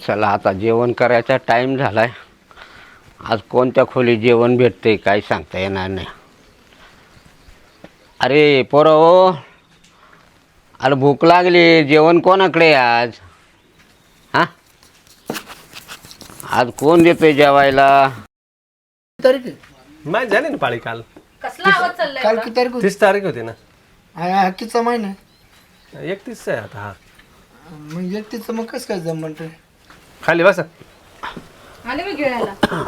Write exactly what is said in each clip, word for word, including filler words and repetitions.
चला आता जेवण करायचा टाईम झालाय. आज कोणत्या खोली जेवण भेटते काही सांगता येणार नाही. अरे पोरं हो, अरे भूक लागली, जेवण कोणाकडे आज? हां आज कोण देतोय जेवायला? तारीख मॅच झाली ना पाळी काल. कसला आवाज चाललाय काल एवढा? किती तारीख होती? तीस तारीख होती ना. हा, हक्कीचा महिना एकतीस आहे आता. हा मग एकतीसचं मग कसं काय जम म्हणतोय? खाली बसा. आले मी गिळायला.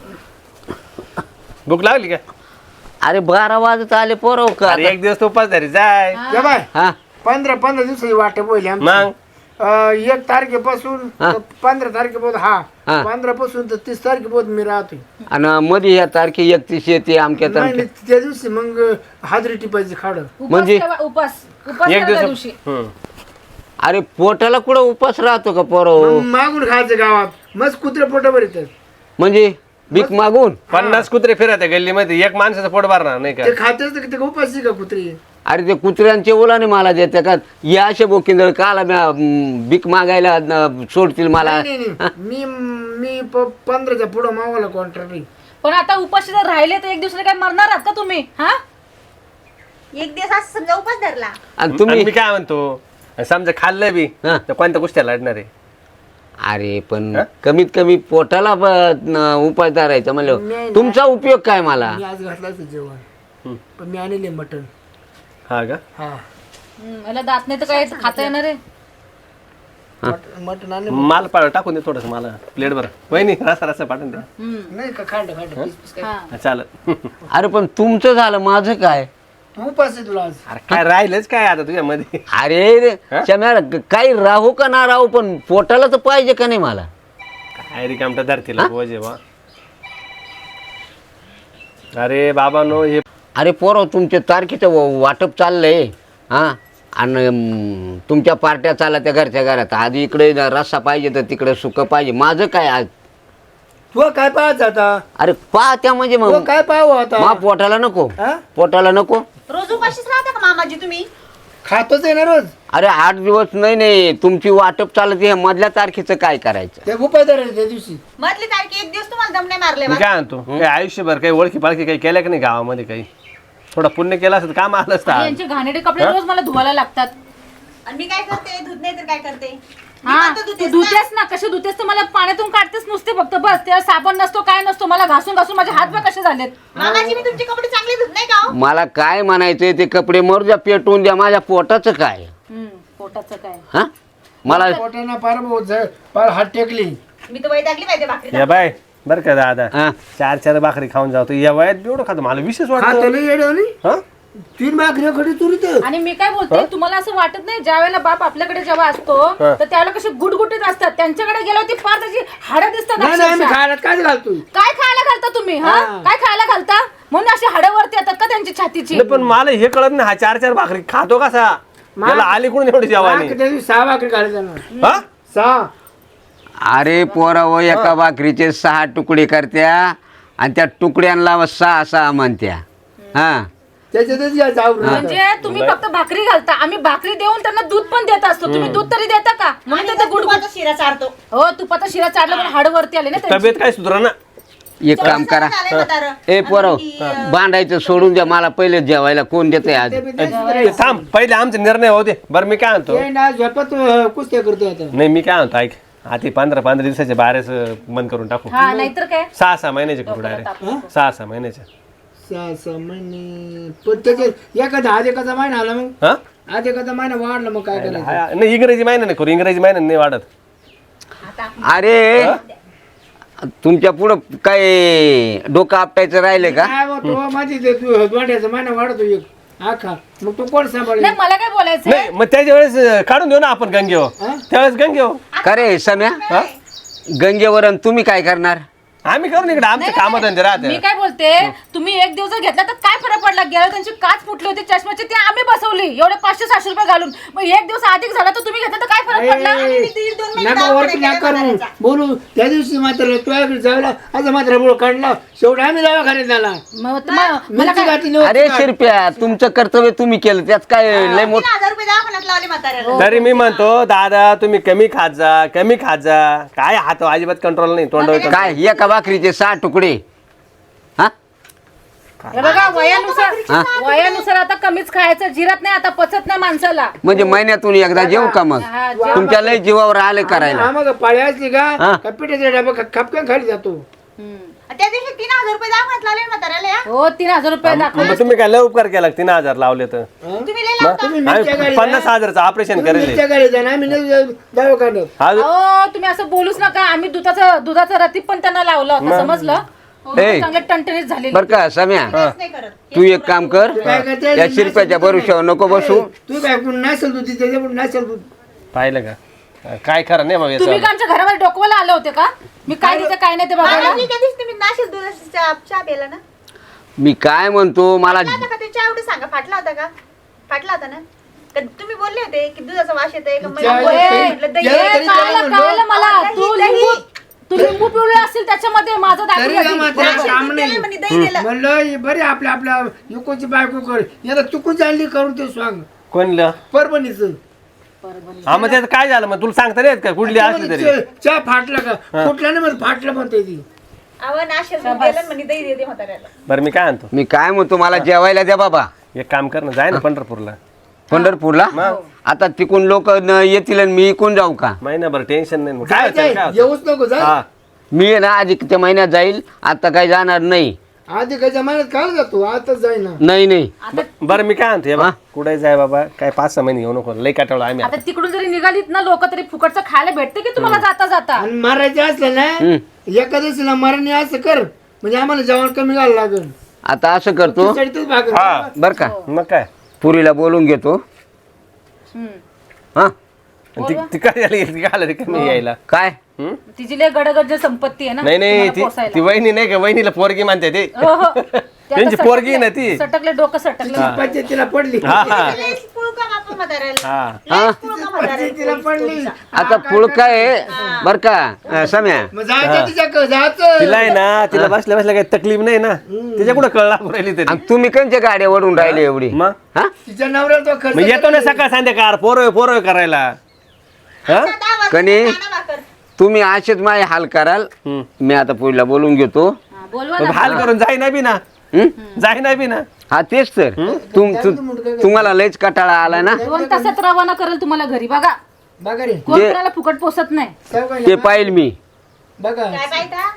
भूक लागली काय? अरे बारा वाजत आले पोरं का? अरे एक दिवस तो उपास धरी जाय. या बाय हां पंधरा पंधरा दिवसाची वाट बोलली आमची. मग अं, एक तारखेपासून हा. तर पंधरा तारखेपासून हा हा. पंधरा पासून तर तीस तारखेपासून मी राहतोय. आणि मध्ये ह्या तारखे एकतीस येते आमच्या नाही तारखे. नाही, त्या दिवसी मग हाजरी टिपायची खाड. उपास म्हणजे? केव्हा? उपास उपास एक करा त्या दिवशी. दिवस हम्म. अरे पोटाला कुठं उपास राहतो का पोरं? मग मागून खायचं गावात मस्त कुत्रे पोटावर येतात. म्हणजे भीक मागून? पन्नास कुत्रे फिरत गल्लीमध्ये, एक माणसाचं पोट भरणार नाही का? ते खातेच तर ते उपाशी का कुत्रे? अरे ते कुत्र्यांचे ओलाने मला देते का? या असे बोकिंदळ काला म्या भीक मागायला न- सोडतील मला? नाही, नाही, नाही. मी मी प- पंधराच्या पुढं मावाला कॉन्ट्रॅक्ट. पण आता उपाशी जर राहिले तर एक दुसरे काय मरणार आहात का तुम्ही? हा एक दिवस असं समजा उपास धरला. आणि आणि तुम्ही मी काय म्हणतो, समजा खाल्लं बी हा. तर कोणत्या कुस्त्या लढणार आहे? अरे पण कमीत कमी पोटाला ब- न- उपाय धरायचा नाही, म्हणलं नाही. तुमचा उपयोग काय मला? मी आज घातलं असतं जेवण हम्म. पण मी आणले मटन. हा का? हा हम्म, याला दात नाही तर काय खाता येणार आहे? मट- मटन आणले. माल पा टाकून दे थोडस मला प्लेट बरं. वहिनी रसा रसा पाठवून द्या. हम्म. नाही का खांड खांड पीस पीस काय. हा. हा, चालेल. अरे पण तुमचं झालं, माझं काय? तू उपास आहे तुला आज. अरे काय राहिलंच काय आता तुझ्यामध्ये? अरे हा? शम्याला काही राहू का ना राहू पण पोटाला तर पाहिजे का नाही मला? काय रिकामटा धरतीला बोजे बा. अरे बाबा नो हे अरे पोरं तुमच्या तारखेचं व- वाटप चाललंय हां आणि अं, तुमच्या पार्ट्या चालल्या त्या घरच्या घरात. आधी इकडे रस्सा पाहिजे तर तिकडे सुकं पाहिजे. माझं काय आज? तू काय पाहत आता? अरे पा त्या म्हणजे तू मग काय पाहू आता? मा पोटाला नको, हा? पोटाला नको. रोज उपाशीच राहता का मामाजी तुम्ही? खातोच आहे ना रोज. अरे आठ दिवस नाही नाही तुमची वाटप चालत आहे, मधल्या तारखेचं काय करायचं? ते उपाय धरायचे त्या दिवशी. मधली तारखे एक दिवस तुम्हाला दम नाही मारले मी बा. काय म्हणतो, काही आयुष्यभर काही ओळखी पाळखी काही केल्या की नाही गावामध्ये? काही थोडा पुण्य केला असतं काम आलं असतं आणि आज. यांचे घाणेरडे कपडे रोज मला धुवायला लागतात. आणि मी काय करते? धुत नाही तर काय करते? मी हा पण तर तू धुतेच ना. धुतेस ना, कसे धुतेस तर मला पाण्यातून काढतेस नुसते फक्त बस. त्याला साबण नसतो काय नसतो. मला घासून घासून माझे हात बघ कसे झालेत. मामाजी मी तुमचे कपडे चांगले धुत नाही का हो? मला काय म्हणायचंय ते कपडे मरू द्या, पेटवून द्या. माझ्या पोटाचं काय? हम्म, पोटाचं काय? हा मला पोटानं पार भाऊ झ- पार हात टेकली. मी तर वैतागली पाहिजे भाकरी. या बाय बरं का दादा, हा. चार चार भाकरी खाऊन जातो या वयात एवढं खातो. मला विशेष खातो वाटतं. लई येड्यावानी. हा? तीन भाकऱ्या खडी तुरीत. आणि मी काय बोलते, तुम्हाला असं वाटत नाही ज्या वेळेला बाप आपल्याकडे जेव्हा असतो हा. तर त्यावेळेला कसे गुटगुटीत असतात, त्यांच्याकडे गेलो ती फार त्याची हाडं दिसतात नाही नाही आम्ही अक्षरशः. खायला काय घालतोय? काय खायला घालता तुम्ही? हा हा. काय खायला घालता म्हणून अशी हाडं वरती येतात का त्यांची छातीची? नाही, पण मला हे कळत नाही, हा चार चार भाकरी खातो कसा? मला आली कोण एवढी जेवानी? त्या दिवशी सहा भाकरी घालायच्या ना. हा? सहा. अरे पोरावं एका भाकरीचे सहा तुकडे करत्या आणि त्या तुकड्यांना सहा सहा म्हणत्या. हा त्याच्यातच या जाऊ म्हणजे तुम्ही फक्त भाकरी घालता, आम्ही भाकरी देऊन त्यांना दूध पण देत असतो. तुम्ही दूध तरी देता का? म्हणून आणि ते मग गुडगुड. तुपाचा शिरा चारतो. हो तुपाचा शिरा चाडला पण हाड वरती आले ना त्यांची. तब्येत काय सुधरा ना? एक काम करा, झालंय म्हातारं. ए पोरव आणि ती, बांधायचं सोडून द्या. मला पहिले जेवायला कोण देतंय आज? ते थांब, पहिले आमचे निर्णय होते. बरं मी काय म्हणतो, झोपत कुस्त्या करतोय आता. नाही मी काय म्हणतो, ऐक आधी पंधरा पंधरा दिवसाचे बारेच बंद करून टाकू. हा नाहीतर काय. सहा सहा महिन्याचे करू डायरेक्ट. सहा सहा महिन्याचे. सहा सहा महिने पण त्याच्यात एखादा आज एखादा महिना आला मग हा? आज एखादा महिना वाढला मग काय करायचं? हा, नाही इंग्रजी महिना नाही करू, इंग्रजी महिन्याने नाही वाढत. अरे तुमच्या पुढं काय डोकं आपटायचं राहिले का? काय होतो माझी ते तू दोंड्याचा महिना वाढतो एक आखा मग तू कोण सांभाळेल? नाही मला काय बोलायचं नाही मग त्याच्या वेळेस अं, काढून देऊ ना आपण गंगेवर. हा? त्यावेळेस गंगेवर का रे सम्या? हा? गंगेवर आणि तुम्ही काय करणार? आम्ही करू इकडे आमचे काम धंदे मी राहते काय बोलते तुम्ही एक दिवस जर घेतला तर काय फरक पडला गेला त्यांची काच फुटली होती चष्म्याची ती आम्ही बसवली एवढे पाचशे सहाशे रुपये घालून मग एक दिवस अधिक झाला तर तुम्ही घेतला तर काय फरक पडला ए, दीड दोन महिने नका दवाखान्यात वरती गेला नका करू. म्हाताऱ्याचा. बोलू त्या दिवशी मात्र तुझ्याकडे जायला असं मात्र बोल काढला शेवटी आम्ही दवाखान्यात झाला मग त- मग- मला मिरची काय घातली नव्हती अरे का? शिरप्या तुमचं कर्तव्य तुम्ही केलं त्यात काय लय मोठ तीन हजार रुपये दवाखान्यात लावले म्हाताऱ्याला तरी मी म्हणतो दादा तुम्ही कमी खात जा कमी खात जा काय हात अजिबात कंट्रोल नाही तोंडावर काय एका भाकरीचे सहा तुकडे हा हे बघा वयानुसार हा? वयानुसार आता कमीच खायचं जिरत नाही आता पचत नाही माणसाला म्हणजे महिन्यातून एकदा जेव का मग हा, जेव. तुमच्या लय जीवावर आले करायला आम्हाला पाळी असली हा. का का पिठाचा डबा ख- खपकन खाली जातो हम्म. त्या दिवशी तीन हजार रुपये दवाखान्यात लावले म्हाताऱ्याला या. हो तीन हजार रुपये दाखव मग तुम्ही काय लय उपकार केला तीन हजार लावले तर तुम्ही लय लावता. तुम्ही मिरच्या आम्ही गाडी पन्नास हजारचं ऑपरेशन करेल मिरच्या गाडी जाणार आम्ही नाही जाऊ- दवाखान्यात आज हो तुम्ही असं बोलूच नका आम्ही दुधाचं दुधाचं रतीप पण त्यांना लावलं होतं समजलं हो, ए. चांगले टणटणीत झाले बर का सम्या काहीच नाही करत. तू एक काम कर काय करते? या शिरप्याच्या भरोश्यावर नको बसू तू काय करून नसेल तू तिथे नसेल तू पाहिलं का काय खरं नाही मग तुम्ही याचं का आमच्या घरामध्ये डोकवायला आले होते का मी काय देते काय नाही ते बघायला आणि त्या दिवशी तुम्ही नाशिक दुधाचा चहा चहा प्यायला ना मी काय म्हणतो मला फाटला होता का ते चहा एवढं सांगा फाटला होता का फाटला होता ना का तुम्ही बोलले होते की दुधाचा वास येतोय का मला चहा- बोलले, म्हटलं दही चहा- आहे. ए, कळलं कळलं मला दही- तू दही. लिंबू तू लिंबू पिवळे असतील त्याच्यामध्ये माझं तरी दाखवलं का असेल. मात्र नाशिक काम दूध नाही दिलं म्हणे, दही दिलं. म्हणलं ही बरी आपल्या आपल्या युकोची बायको कर याला चुकून चालली करून ते सांग कोणलं परभणीच हा मग त्याचं काय झालं मग तुला सांगता नाही येत का कुठली असली तरी चहा फाटला का फुटला नाही मग फाटलं म्हणते ती अहो नाशिक दूध दिलं म्हणे दही देते म्हाताऱ्याला बरं मी काय आणतो मी काय म्हणतो मला जेवायला द्या बाबा एक काम कर ना जाय ना पंढरपूरला पंढरपूरला आता तिकून लोक येतील आणि मी इकून जाऊ का महिनाभर टेन्शन नाही मग काय होतं, काय होतं? येऊच नको जा हा मी आहे ना अधिक त्या महिन्यात जाईल आता काही जाणार नाही आधी काय महिन्यात काल जातो आताच जाईना नाही नाही ब- बरं मी काय आणतो हे बघ, हा? कुठे जाय बाबा काय पाच सहा महिने घेऊ नको लई काटाळू आम्ही आता तिकडून जरी निघालीत ना लोक तरी फुकटचं खायला भेटते की तुम्हाला जाता जाता आणि मारायचे असलं ना एकादशीला मरणे असं कर म्हणजे आम्हाला जेवण कमी घालावं लागेल आता असं करतो खिचडीतच भाकर. हा. बर का मग काय पुरीला बोलून घेतो हम्म. हा आणि ती ती काय झाली ती काय आलं कमी यायला काय हं? तिची लय गडगड संपत्ती आहे ना नाही नाही तुम्हाला ती पोसायला. ती वहिनी नाही का वहिनीला पोरगी म्हणते ते हो, हो. ते आता त्यांची पोरगी ना ती सटकले डोकं सटकले पंचायतीला पडली हा हा लयच पुळू का बापा म्हाताऱ्याला हा हा पुळू का म्हाताऱ्याला पंचायतीला पडली आता पुळका आहे बर का अं, सम्या मग जायचं तिच्या जायचं तिला आहे ना तिला बसल्या बसल्या काही तकलीफ नाही ना तिच्या कुठं कळला राहिली तरी आणि तुम्ही कंच्या गाड्या वडून राहिले एवढी मग हा तिच्या नवऱ्याला तो खर्च मग येतो ना सकाळ संध्याकाळ पोरं पोरं करायला हा दहा वाजता कणी काना भाकर. तुम्ही असेच माझे हाल कराल हं. मी आता पुरीला बोलून घेतो हा, बोलवा मग ना हाल करून जाई नाही बी ना हं? जाई नाही बी ना हा तेच तर तुम तु- तुम्हाला लयच कटाळा आला ना दोन तासात रवाना करेल तुम्हाला घरी बघा बघा रे कोण जे- कोणाला फुकट पोसत नाही सावकाश ते पाहिल मी बघा काय पाहिजे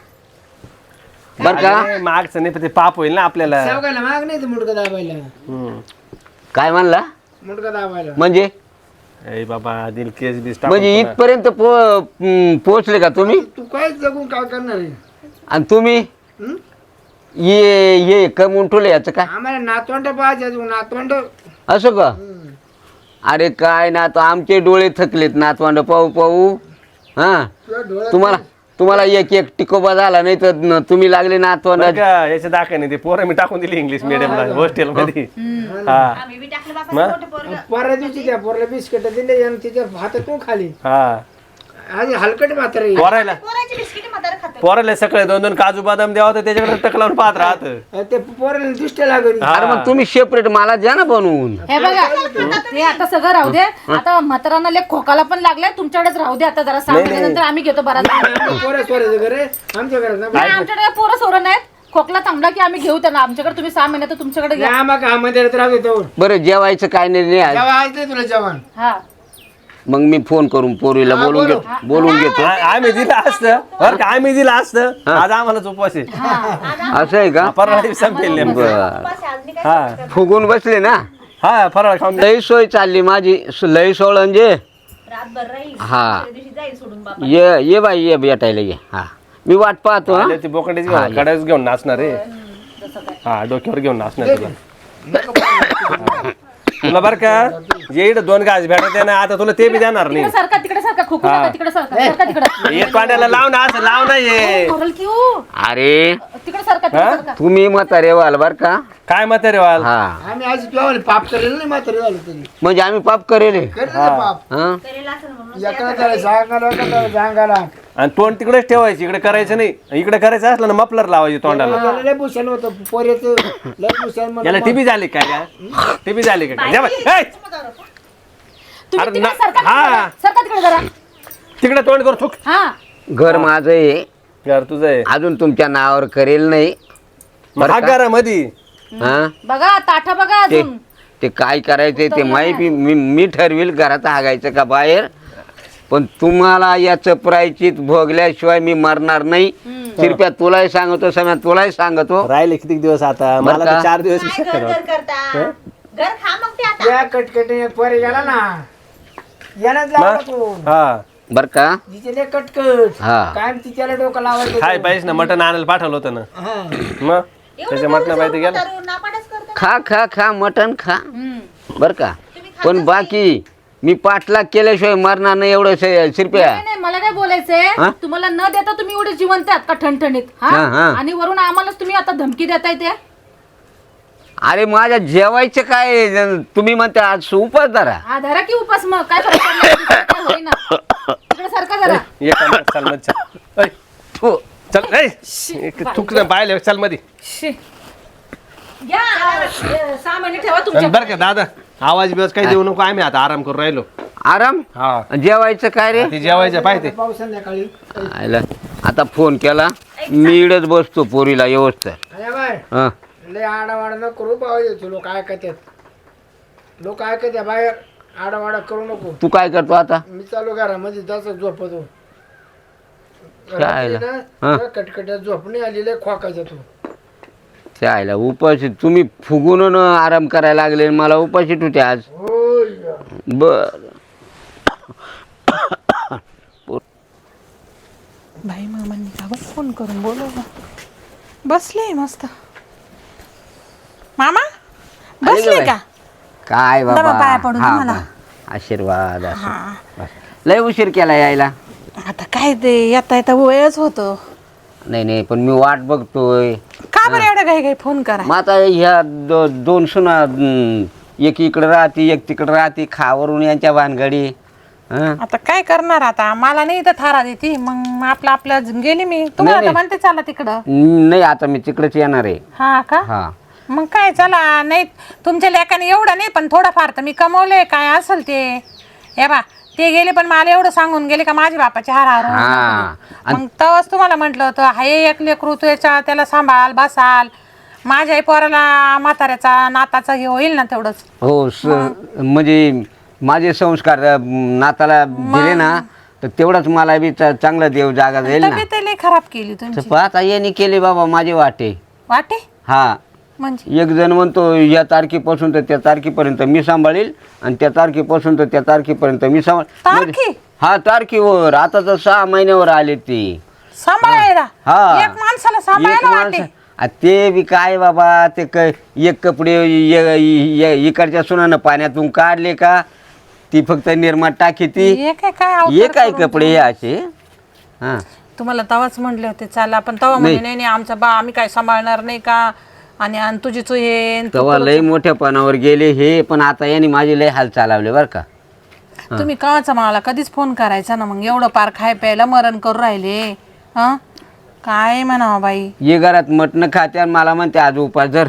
बर का अरे, मागचं नाही पण ते पाप होईल ना आपल्याला सावकाला माग नाही तर मुडका दाबायला हं. काय म्हणला मुडका दाबायला म्हणजे ए बाबा दिल केस बीस म्हणजे टाकून पुन्हा. इथपर्यंत पो हं, पोहोचले का तुम्ही तू काय जगून काय करणार आहे आणि तुम्ही हं? ये ये कमवून ठेवलं याचं काय आम्हाला नातवंड पाहिजे अजून नातवंड असं का अरे काय ना तो आमचे डोळे थकलेत नातवांड पाहू पाहू हा तुझ्या डोळ्यात तुम्हाला तुम्हाला एक एक टिकोबा झाला नाही तर न- तुम्ही लागले नातवांड बरं का याच्या दाखवा नाही ते पोरं मी टाकून दिली इंग्लिश मिडियमला हॉस्टेल मध्ये हा आम्ही बी टाकलं बाबा मग? मोठं पोरगं. परवा दिवशी त्या पोरला बिस्किट दिले आणि तिच्या हातातून खाली हा आज हलकट मात्र आहे. पोरायला पोराची बिस्किट म्हातारा खातो पोराला सकाळी दोन दोन काजू बदाम द्यावा तर त्याच्याकडे टक लावून पाहत राहत ते पोराला दृष्ट लागली अरे मग तुम्ही सेपरेट मला द्या ना बनवून हे बघा ते आता सगळं राहू दे आता म्हातारांना लेख खोकाला पण लागलाय तुमच्याकडेच राहू दे आता जरा सहा महिन्यानंतर आम्ही घेतो बराच पोरं सोरायचं घर आहे आमच्या घरात ना नाही, आमच्याकडे पोरं सोरं नाहीत खोकला थांबला की आम्ही घेऊ त्यांना आमच्याकडे तुम्ही सहा महिन्यात तुमच्याकडे घ्या आम्हाला हा मध्ये राहतो तेवढं बरं जेवायचं काय नाही नाही आज. जेव्हा आज नाही तुला जेवण हा मग मी फोन करून पोरीला हा, बोलून बोलू. घेतो बोलून घेतो आ- आम्ही दिलं असतं बरं का आम्ही दिलं असतं आज आम्हाला उपवास आहे असं आहे का परवा दिवशी संपेल नेमकं बर उपास आहे, आज नाही काय हा करत. फुगून बसले ना हा फराळ खाऊन लई सोय चालली माझी लई सोळ म्हणजे रातभर राहील हा. दुसऱ्या दिवशी जाईल सोडून बाबा ये ये बाई ये भेटायला ये हा मी वाट पाहतो हा आले ती बोकंडीच घेऊन कडाच घेऊन नाचणार रे हा डोक्यावर घेऊन नाचणार तुला तुला बरं का जे इकडे दोन गाज भेटत आहे ना आता तुला ते बी देणार नाही तिकडे सरका तिकडे सरका सरका खोकू नका तिकडे सरका सरका तिकडे एक कांड्याला लाव ना असं लाव ना ये ओरल की हो अरे तिकडे सरका तिकडे सरका तुम्ही म्हातारे व्हाल बर का? काय मत रे वाल हा आम्ही आज तुला पाप करेल नाही म्हातारे झालो तरी म्हणजे आम्ही पाप करेल हे. करेल ना पाप हा करेल असेल म्हणून एका त्याला सांगायला एका त्याला सांगायला आणि तोंड तिकडेच ठेवायचं इकडे करायचं नाही इकडे करायचं असलं ना मफलर लावायचं तोंडाला याला लय भूषण होतं पोऱ्याचं लय भूषण म्हणून याला टीबी झाली काय का टीबी झाली का काय? जा बाई. ए! तुम्ही अरे तिकडे ना- सरका हा. तिकडे. सरका तिकडे जरा तिकडे तोंड कर थुक हा घर माझं आहे, घर तुझं आहे अजून तुमच्या नावावर करेल नाही. मग हा घर मधी हा बघा ताठा बघा ते अजून ते काय करायचंय ते माहिती मी मी ठरविल घरात हागायचं का बाहेर. पण तुम्हाला याचं प्रायचित भोगल्याशिवाय मी मरणार नाही. कृपया तुलाही सांगतो सम्या तुलाही सांगतो. राहिले किती दिवस आता मला का? तर चार दिवस काय घर घर करता घर खा मग ते आता या कटकटी पोरे गेला ना यानच लावला तू हा बर का? तिचे लय कटकट हा. काय तिच्याला डोकं लावायचं खाय पाहिजे ना मटण आणायला पाठवलं होतं ना हा मग त्याच्या मटणा पाहिजे गेला नापाडच करतो खा खा खा मटण खा हम्म. बर का? पण बाकी मी पाठलाग केल्याशिवाय मरणार नाही एवढं शिरप्या. नाही नाही, मला काय बोलायचंय हा? तुम्हाला न देता तुम्ही एवढे जिवंत आहात का ठणठणीत हा हा, हा. आणि वरून आम्हालाच तुम्ही आता धमकी देताय ते अरे माझ्या जेवायचं काय तुम्ही म्हणता आज उपास धरा. हा धरा की उपास मग काय फरक पडला? काय होईना तिकडे सरका जरा ये का चल मत चल ऐ, थू. चल ऐ थुक पाहिले चल मधी शी. घ्या अ, सहा महिने ठेवा तुमच्या बरं का दादा आवाज बिवाज काही देऊ नको आम्ही आता आराम करून राहिलो आराम हा जेवायचं काय रे? ती जेवायचं पाहिजे पाऊस संध्याकाळी आयला. आता फोन केला मी इडच बसतो पोरीला व्यवस्थित. अरे बाय हा लय आडावाडा न करू पाहिजे लोक ऐकतात लोक ऐकत बाहेर आडावाडा करू नको. तू काय करतो आता? मी चालू घरामध्ये तसं झोपतो काय रात्री हा. ना कटकट्यात झोप नाही आलेली खोकायचा तू त्याला उपाशी तुम्ही फुगून आराम करायला लागले मला उपाशी तुझे आज. होय बर बाई मामांनी का बरं फोन करून बोलवलं बसले मस्त मामा बसले का काय दमा बाबा पाया पडू हा, तुम्हाला. हा. आशीर्वाद असो. हा बस. लय उशीर केला यायला. आता काय ते येता येता वेळच होतो नाही नाही पण मी वाट बघतोय. का बरं एवढं काही काही फोन करा मग आता ह्या दो, दोन सुना हम्म, एक इकडे राहते एक तिकडे राहते खावरून यांच्या भानगडी. हं? आता काय करणार आता मला नाही इथं थारा देते मग आपलं आपलं गेली मी तुम्हाला नाही, तर म्हणते चला तिकडं नाही आता मी तिकडेच येणार आहे. हा का हा मग काय चला नाही तुमच्या लेकाने एवढं नाही पण थोडंफार तर मी कमवलंय काय असेल ते हे बा ते गेले पण मला एवढं सांगून गेले का माझे बापाचे हार हार होऊ हा. नका. मग तेव्हाच तुम्हाला म्हटलं होतं हाय एक लेकरू त्याच्या त्याला सांभाळ बसाल माझ्या पोराला म्हाताऱ्याचा नाताचा हे होईल ना तेवढंच हो स म्हणजे माझे संस्कार अं, नाताला दिले ना तर तेवढंच मला बी चा- चांगला देव जागा जाईल ना. तब्येत लई खराब केली तर तुमची पाहता यांनी केले बाबा माझे वाटे. वाटे हा म्हणजे एक जण म्हणतो या तारखेपासून तर त्या तारखेपर्यंत मी सांभाळील आणि त्या तारखेपासून तर त्या तारखेपर्यंत मी सांभाळ तारखे? हा तारखेवर आता तर सहा महिन्यावर आले ते. सांभाळायला हा. एक माणसाला एक सांभाळायला माणसं- वाटे आ, ते बी काय बाबा ते क एक कपडे य- य- इकडच्या सुनानं पाण्यातून काढले का ती फक्त निर्मात टाकी ती हे काय काय अवतार ये काय करून कपडे हे असे. हा तुम्हाला तवाच म्हटले होते चला पण तवा म्हणे नाही नाही आमचा बा आम्ही काय सांभाळणार नाही का आणि आणि तुझी तू ये आणि तू तेव्हा लय मोठ्या पानावर गेले हे पण आता यांनी माझे लय हाल चालवले बरं का. तुम्ही कवाचा मला कधीच फोन करायचा ना मग एवढं पार खाय प्यायला मरण करू राहिले हा काय म्हणावं बाई ये घरात मटण खाते आणि मला म्हणते आज उपास धर.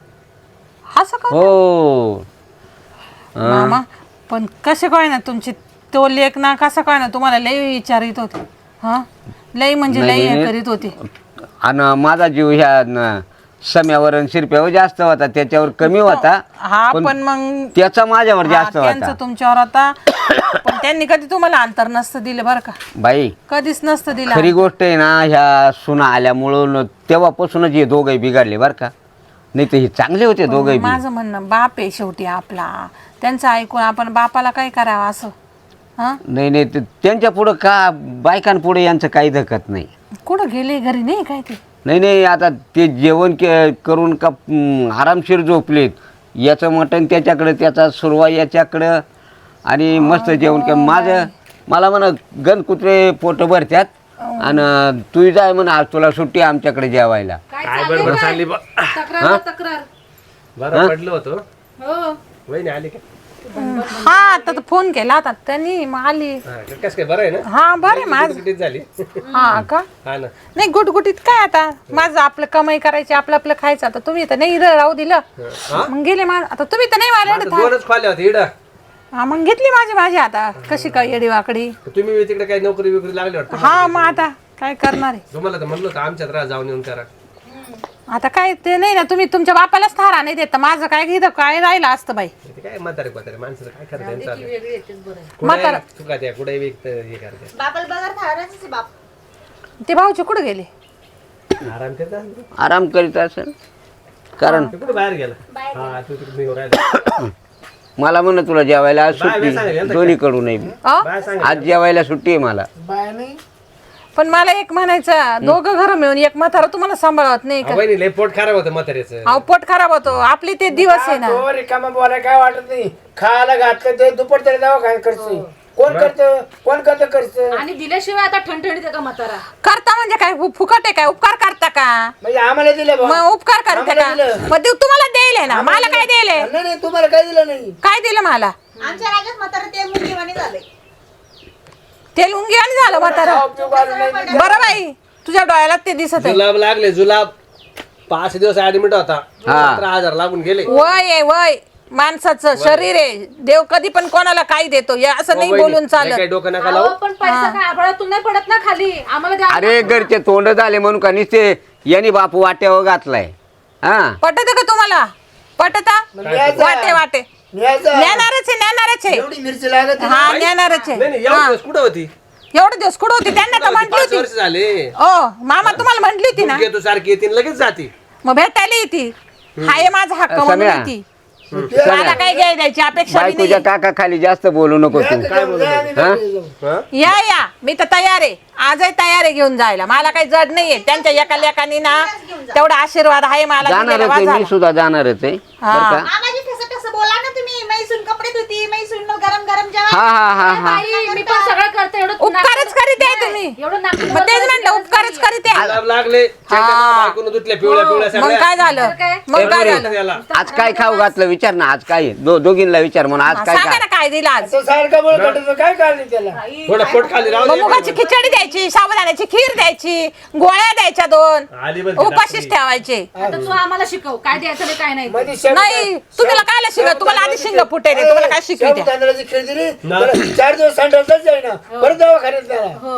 असं का हो मामा पण कसे काय ना तुमची तो लेख ना कसं काय ना तुम्हाला लय विचारित होते हा लय म्हणजे लय नाही, हे नाही. करीत होते आणि माझा जीव ह्या न- सम्यावर आणि शिरप्यावर जास्त होता त्याच्यावर कमी होता हा पण मग त्याचा माझ्यावर हा, जास्त त्यांचं होता. तुमच्यावर आता पण त्यांनी कधी तुम्हाला अंतर नसतं दिलं बरं का बाई कधीच नसतं दिलं खरी गोष्ट आहे ना ह्या सुना आल्यामुळं न- तेव्हापासूनच हे दोघंही बिघडले बरं का. नाही तर हे चांगले होते दोघंही बी. माझं म्हणणं बाप आहे शेवटी आपला त्यांचं ऐकून आपण बापाला काय करावं असं हा नाही नाही ते- त्यांच्या पुढं का बायकांपुढे यांचं काही धकत नाही. कुठं गेले घरी नाही काय ते नाही नाही आता ते जेवण के करून का हम्म, आरामशीर झोपलेत. याचं मटण त्याच्याकडं त्याचा सुरवा याच्याकडं आणि मस्त जेवण के माझं मला म्हणा गण कुत्रे पोट भरत्यात आणि तू जाय म्हणा आज तुला सुट्टी आमच्याकडे जेवायला. काय काय चाललंय बडबड काय? चालली बा तक्रार तक्रार बरं पडलं होतं हो वहिनी आली का हा आता तर फोन केला होता त्यांनी मग आली. हा, कसं काय बरं आहे ना हा बरे माझ किती झाली हा का हा ना नाही गुटगुटीत काय आता माझं आपलं कमाई करायची आपलं आपलं खायचं आता तुम्ही तर नाही इथं राहू दिलं हा? मग गेले मा आता तुम्ही तर नाही मला आता दोनच खोल्या होते इडं हा मग घेतली माझी माझी आता कशी काय येडी वाकडी तुम्ही तिकडे काही नोकरी बिकरी लागली वाटतं हा मग आता काय करणार आहे तुम्हाला तर म्हणलं होतं आमच्यात राहा जाऊन येऊन करा आता काय ते नाही ना तुम्ही तुमच्या बापालाच थारा नाही देत तर माझं काय घेतं काय राहिलं असतं बाई ते काय म्हातारे म्हातारे माणसं काय करतात त्यांचं वेगळी येतेच बरं म्हातारं. कुठे चुका त्या कुठे विकत हे करतात बापाला बघा थारायचंच आहे बाप. ते भाऊचे कुठे गेले आराम करतात आराम करीत असेल कारण कुठे बाहेर गेला हा तू तिकडे निघून राहिला मला म्हणणं तुला जेवायला आज बाय, बाय, सांगा, सुट्टी यांचं दोन्हीकडून नाही अ? बाहेर सांग आज जेवायला सुट्टी आहे मला. बाय नाही पण मला एक म्हणायचं दोघं घर मिळून एक म्हातारा तुम्हाला सांभाळत नाही का वहिनी लय पोट खराब होतं म्हाताऱ्याचं अहो पोट खराब होतो आपले ते दिवस आहे ना तो रिकामा बोलाय काय वाटत नाही खायला घातलं ते दुपार तरी दवाखान्यात खर्च कोण करतं कोण करतं खर्च आणि दिल्याशिवाय आता ठणठणीत आहे का म्हातारा करता म्हणजे काय फु- फुकट आहे काय उपकार करता का म्हणजे आम्हाला दिलं बा. मग उपकार करता आम्हाला का दिलं. मग देव तुम्हाला द्यायले ना मला काय द्यायले नाही नाही तुम्हाला काय दिलं नाही काय दिलं मला आमच्या राज्यात म्हातारा ते मुलगीवाणी झालंय. ते लुंगी आणि झालं म्हातारा खाऊ पिऊ घालून नाही. बरं बाई तुझ्या डोळ्याला ते दिसत आहे जुलाब लागले जुलाब पाच दिवस ऍडमिट होता सतरा हजार लागून गेले वय आहे वय माणसाचं शरीर आहे देव कधी पण कोणाला काही देतो हे असं नाही वहिनी, बोलून लय चालत काही डोकं नका अहो, लावू पण पैसा काय आभाळातून नाही पडत ना खाली आम्हाला द्या अरे घरचे तोंड झाले म्हणून का नुसते यांनी बापू वाट्यावर घातलाय हा पटत का तुम्हाला पटता न्यायचं. वाटे वाटे न्यायचं. ज्ञानारच आहे ज्ञानारच आहे एवढी मिरची लागत नाही. हा ज्ञानारच आहे नाही नाही एवढे दिवस कुठं होती एवढे दिवस कुठं होती त्यांना तर म्हटली पाच होती वर्ष झाले ओ मामा तुम्हाला म्हटली होती ना तू तू सारखी येते लगेच जाती मग भेटायला येते हाय माझा हक्क म्हणून सम्या. येते मला काय घ्याय द्यायची अपेक्षा बी बायकोच्या नाही काका खाली जास्त बोलू नको तू काय बोलू हा? या या मी तर तयार आहे आजही तयार आहे घेऊन जायला मला काही जड नाहीये त्यांच्या एका लेकानी ना तेवढा आशीर्वाद आहे मला जाणारच दिलेला आहे मी वाजायला. सुद्धा जाणारच आहे हा. बरं का मामाजी ठसं ठसं बोला ना तुम्ही. मैसून कपडे धुती मैसून गरम गरम जेवण. हा हा हा हा बाई, मी पण सगळं करते एवढं उपकारच करीत आहे तुम्ही एवढं नागपूर मग तेच म्हणलं उपकारच करीत आहे जुलाब लागले बायकोनं धुतल्या पिवळ्या पिवळ्या मग सगळ्या काय झालं काय? मग काय झालं त्याला आज काय खाऊ घातलं विचार ना आज काय आहे? दो दोघींना विचार म्हणून आज काय सांगा काय ना काय दिलं आज तो सारखा बोल कटतो काय काढली त्याला थोडं पोट खाली राहू मग दे. मुगाची खिचडी द्यायची साबुदाण्याची खीर द्यायची गोळ्या द्यायच्या दोन आली बरं ती उपाशीच डॉक्टरी. ठेवायचे आता तू आम्हाला शिकव काय द्यायचं नाही काय नाही ते. मध्ये शेव- नाही तुम्हाला काय शिकव तुम्हाला आधी शिंग फुटेल तुम्हाला काय शिकवी शेव द्या तांदळाची खीर दिली ना. त्याला चार दिवस संडासच जाईना परत दवाखान्यात त्याला हो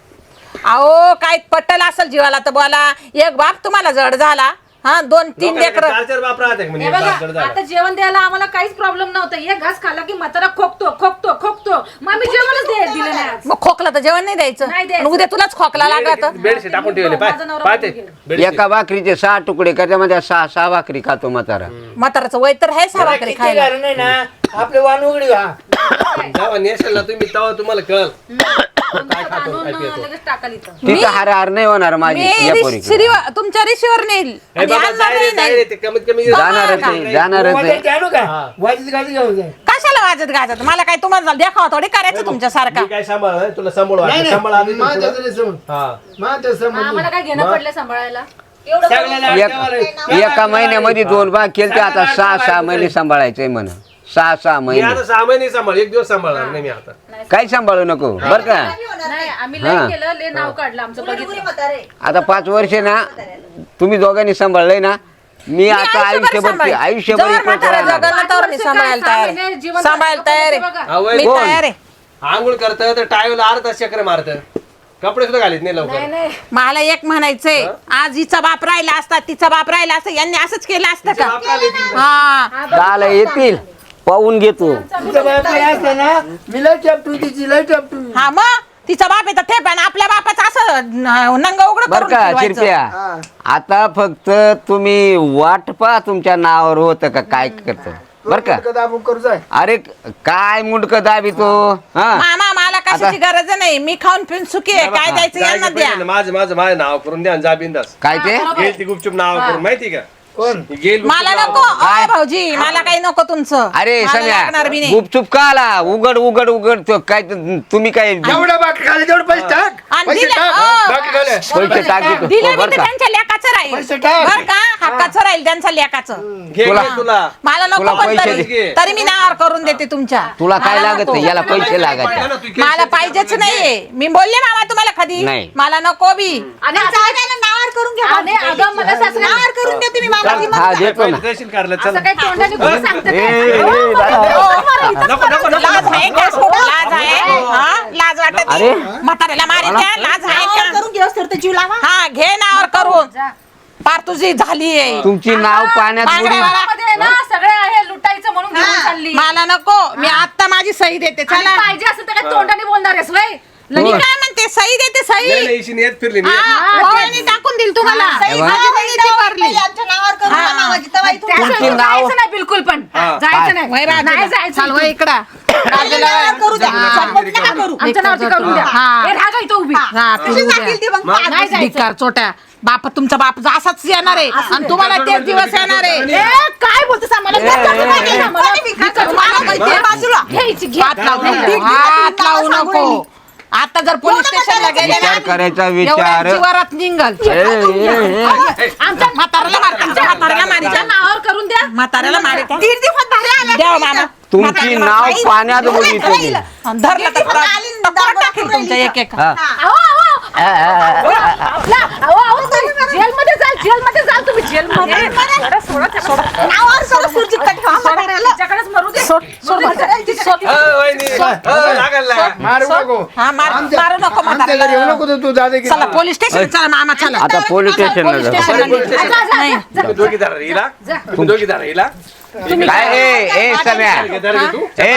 अहो काय पट्टल असेल जीवाला तर बोला एक बाप तुम्हाला जड झाला हा दोन तीन लोकांना लेकर चार चार बाप राहते म्हणजे हे एक बाप जड बघा झाला. आता जेवण द्यायला आम्हाला काहीच प्रॉब्लेम नव्हता एक घास खाल्ला की म्हातारा खोकतो खोकतो खोकतो मग आम्ही जेवणच दे- दिलं नाही आज मग खोकला तर जेवण नाही द्यायचं नाही द्यायचं. आणि उद्या तुलाच खोकला लागत बेड- बेडशीट टाकून ठेवले पाय माझा नवरा पाहते बघून गेला. बेडशीट. एका भाकरीचे सहा तुकडे त्याच्यामध्ये सहा सहा भाकरी खातो म्हातारा म्हाताराचं वय तर आहे सहा भाकरी किती खायला घालून नाही ना आपले वाण उघडी हा जेव्हा नेशाला तुम्ही तेव्हा तुम्हाला कळल काय आणून लगेच टाकाल इथं तिथं हार हार नाही होणार माझी मी या रिश- पोरीकडे शिरीवर- तुमच्या रिशीवर नेईल हे आणि बाबा आणणार जाय रे, नाही, जाय नाही. रे, ते कमीत कमी जाणारच आहे जाणारच आहे वाजायची आणू का वाजीत गाडी घेऊन जाय कशाला वाजत गाजत मला काय तुम्हाला देखावा थोडी करायचं तुमच्यासारखा मी काय सांभाळ हं? तुला सांभाळ नाही वाटतं. सांभाळ आधी नाही तू मा तुला. त्याचं समज हा मा त्याचं समज आम्हाला काय घेणं पडलं सांभाळायला एवढं सगळ्याला एक- आठवण आहे. एका महिन्यामध्ये दोन भाग केले ते आता सहा सहा महिने सांभाळायचंय म्हणा सहा सहा मी महिने आता सहा महिने सांभाळ एक दिवस सांभाळणार नाही मी आता काही सांभाळू नको बर का नाही आम्ही हा. लय केलं लय नाव काढलं आमचं गुरी बघितलं म्हातारे. आता पाच वर्ष ना तुम्ही दोघांनी सांभाळलंय ना मी आता आयुष्यभर आयुष्यभर जवळ इकडे म्हातारा राहणार. जगाला तर मी सांभाळायला तयार आहे. सांभाळायला तयार आहे आवय मी कोण? तयार आहे आंघोळ करत तर टायला अर्धा चक्र मारत कपडे सुद्धा घालीत नाही लवकर मला एक म्हणायचंय आज हिचा बाप राहिला असता तिचा बाप राहिला असता यांनी असंच केलं असतं तिचे का बाप आले की- हा दहाला येतील पाहून घेतो तुझं बाप काय असतं ना मी लय टपटू तिची लय टपटू हा मग तिचा बाप येतं ठेप आणि आपल्या बापाचं असं न- नंग उघड बर का करून शिरप्या हा. आता फक्त तुम्ही वाट पहा तुमच्या नावावर होतं का काय करतं बर का कदा आपण करू जाय अरे काय मुंडक दाबी तो हा मामा मला कशाची गरज नाही मी खाऊन पिऊन सुखी आहे काय द्यायचं यांना जायचं द्या पहिले माझं माझं माझं नाव करून द्या आणि जा बिंदास काय ते गेली ती गुपचूप नाव करून माहिती का कोण गेल मला नको अय भाऊजी मला काही नको तुमचं अरे मला लागणार बी सम्या नाही. गुपचूप का आला उघड उघड उघड तो काय ते- तुम्ही काय जेवढं बाकी खाली तेवढं पैसे टाक आणि पैसे दिलं- टाक हो. बाकी खाले पैसे टाकी दिलं बर बी तर का त्यांच्या लेकाचं राहील पैसे टाक. बर का हक्काचं राहील त्यांच्या लेकाचं घे तुला- घे तुला मला नको तुला पण पैसे तरी दे. तरी मी नावावर करून देते तुमच्या तुला काय मला लागत नको. नाही याला पैसे लागायचे मला पाहिजेच नाहीये मी बोलले मामा तुम्हाला कधी नाही. मला नको बी आणि असं- नावावर करून घ्या आणि अगं मला सासरे नावावर करून देते मी मामाची हा देतो ना देशील काढलं चल असं काही तोंडाने कुठं सांगते ए, काय? ए, हो, ए, मला- दादा. हो, मला इथंच नको नको नको लाज आहे का लाज आहे हा? लाज वाटत अरे. म्हाताऱ्याला मारी द्या लाज आहे नावावर का करून घेऊस तर जीव लावा हा घे नावावर करून पार तुझी झाली आहे तुमची नाव पाण्यात बुडी बांगड्यावाला. मध्ये ना सगळे आहे लुटायचं म्हणून घेऊन चालली मला नको मी आता माझी सही देते आणि चला पाहिजे असं तर काय तोंडाने बोलणार आहेस वय मी काय म्हणते सही देते नाही, सही नाही, इशी येत फिरली मी हा, ओवाळणी टाकून देईल तुम्हाला सही माझी बहिणी ती भरली आमच्या नावावर करून हा. द्या मामाची तेव्हा इथून तुमची त्याशिवाय नाव- जायचं नाही बिलकुल पण जायचं नाही वय बाजूला. नाही जायचं चाल वय इकडं पहिलं नावावर करू द्या चटपट नका करू आमच्या नावाची करून द्या हा. ए, राहा का इथं उभी हा, कशी फिरू द्या. जातील ती मग मग? नाही जायचं भिकार चोट्या बाप तुमचा बाप असाच येणार आहे आणि तुम्हाला तेच दिवस येणार आहे ए, काय बोलतोस आम्हाला ए, ए, ए. कोणी भिकार भिकार तुम्हाला चोट्या माहिती आहे बाजूला घ्यायची घे हात लावू नाही, नको नाही. हात लावू मला सांगू नको आता जर पोलीस एवढं स्टेशनला म्हाताऱ्याचं गेले विचार ना करायचा एवढ्या विचार जीवारात निघल ए, ए, ए. आमच्या म्हाताऱ्याला मार आमच्या म्हाताऱ्याला मारी आमच्या नावावर करून द्या म्हाताऱ्याला मारी का दीड दिवसात बाहेर आल्या द्या हो मामा तुमची म्हाताऱ्याला नाव मारी. पाण्यात बुडी तुम्ही आणि धरलं तर दीड दिवसात आली न टक्कर दाबा टाकेल तुमच्या एक एक हा. अहो, अहो, आ, आ, आ, आ. आपला- अहो, अहो, तुम्ही जेलमध्ये जाल जेलमध्ये जाल तुम्ही जेलमध्ये सोडा, सोडा, सोडा. नावावर करून सुरजित का ठेवा म्हाताऱ्याला. तिच्याकडेच मरू दे सोड सोड म्हाताऱ्याला. सोड. अ, वहिनी, अ, लागल ना. मारू नको हा मार आमच्या- मारू नको आमच्या घरी येऊ म्हाताऱ्याला नको तू दादा की चला पोलीस स्टेशन चला मामा चला आता पोलीस स्टेशनला पोलीस जा स्टेशनला पोलीस निघा. स्टेशन. नाही तुम्ही दोघी धरा हिला तुम्ही दोघी धरा हिला काय ए ए सम्या धर घे तू ए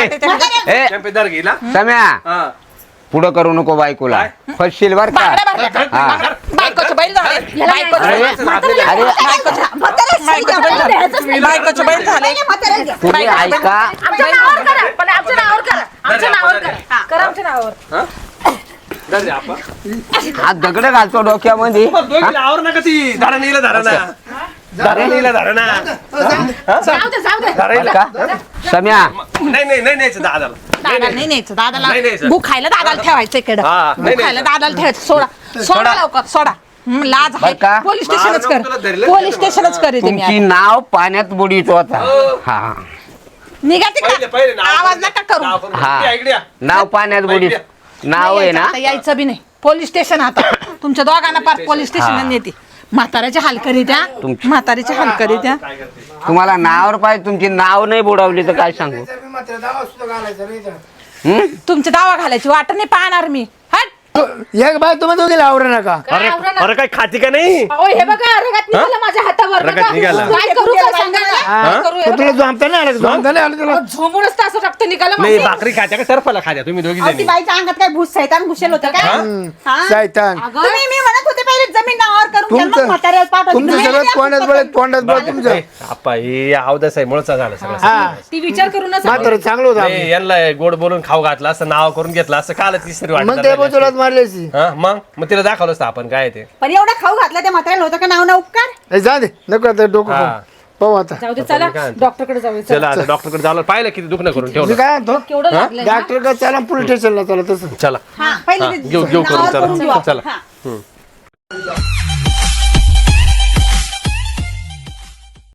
ए चॅम्पे धर घे हिला सम्या हा पुढं करू नको बायकोला फसशील बर का बांगड्या भरल्या का? हा. बायकोचं बैल झाले बायकोचं अरे बैल. अरे बायकोचं बायकोचं बैल झाले बायकोचं बैल झाले म्हाताऱ्याला घ्या. तुम्ही ऐका आमच्या नावावर करा पण आमच्या नावावर करा आमच्या नावावर करा करा आमच्या नावावर हा? धर दे आपण हा दगड घालतो डोक्यामध्ये मग दोघीला आवर नका ती धरा नीला धरा ना धरा नीला धरा ना जाऊ दे जाऊ दे धरा हिला. का सम्या नाही नाही नाही न्यायचं दादाला दादा नाही न्यायचं दादाला नाही न्यायचं. भूक खायला दादाला ठेवायचं इकडं हा, नाही भूक खायला न्यायचं. दादाला ठेवायचं सोडा सोडा लवकर सोडा हं, लाज बरं का? आहे पोलीस स्टेशनच मारून तुला कर धरलं पोलीस नाही स्टेशनच करीत मी तुमची आता. नाव पाण्यात बुडीत होता हा निघा पहिले तिकडे पहिले नाव आवाज करून- नका करू नाव करून- हा. या इकडे या. नाव पाण्यात बुडीत नाव आहे नाही ना यायचं, आता यायचं बी नाही पोलीस स्टेशन आता तुमच्या दोघांना पार पोलीस स्टेशन नेते म्हाताऱ्याच्या हाल करी द्या तुमची- म्हातारीच्या हाल करी द्या काय करते तुम्हाला नावावर पाहिजे तुमची नाव नाही बुडवली तर काय सांगू तर मी मात्र दावा सुद्धा घालायचा नाही तर. हं? तुमच्या दावा घालायची वाट नाही पाहणार मी हट तो- एक बाय तुम्ही दोघे आवडे नका अरे अरे काय खाती का नाही अहो हे बघा रगत निघाला माझ्या हातावर रगत बघा. निघाला. काय करू काय सांगा ना. हा? करू तो तुला जमता नाही आलं जमता नाही आलं तुला झोमूनच तर असं रक्त निघालं नाही माझं. भाकरी खात्या का सरफला खात्या तुम्ही दोघी अहो, ती जणी बाईच्या अंगात काय भूस सैतान घुसेल होतं काय हा? शैतान तुम्ही मी म्हणत होते पहिले जमीन नावावर करून घ्या, मग तुमचं म्हाताऱ्याला पाठवा. तुमचं तुम्ही सगळं नाही तोंडात द्या बळ तोंडात बळ तुमचं आपा हे अवदस आहे मुळचा झालं सगळं हा ती विचार करूनच मात्र चांगलं होतं नाही, यांना गोड बोलून खाऊ घातला असं नाव करून घेतलं असं काल तिसरी मग ते वाटत तुला मारल्याची मग मग तिला दाखवलं असतं आपण काय ते पण एवढं खाऊ घातलं त्या म्हाताऱ्याला होतं का नाव ना उपकार जा दे नको आता डोकं हा. खाऊ. पाहू आता जाऊ दे चला काय म्हणते? डॉक्टरकडे जाऊया चला. चला आता डॉक्टरकडे जावलं पाहिलं किती दुखणं करून मी ठेवलं काय म्हणतो केवढं लागलंय ना? डॉक्टर का चला पोलीस स्टेशनला चला तसं चला हा पहिले हा, ते घेऊ घेऊ नावावर करून करून घेऊ चला आपण. चला हा. हम्म.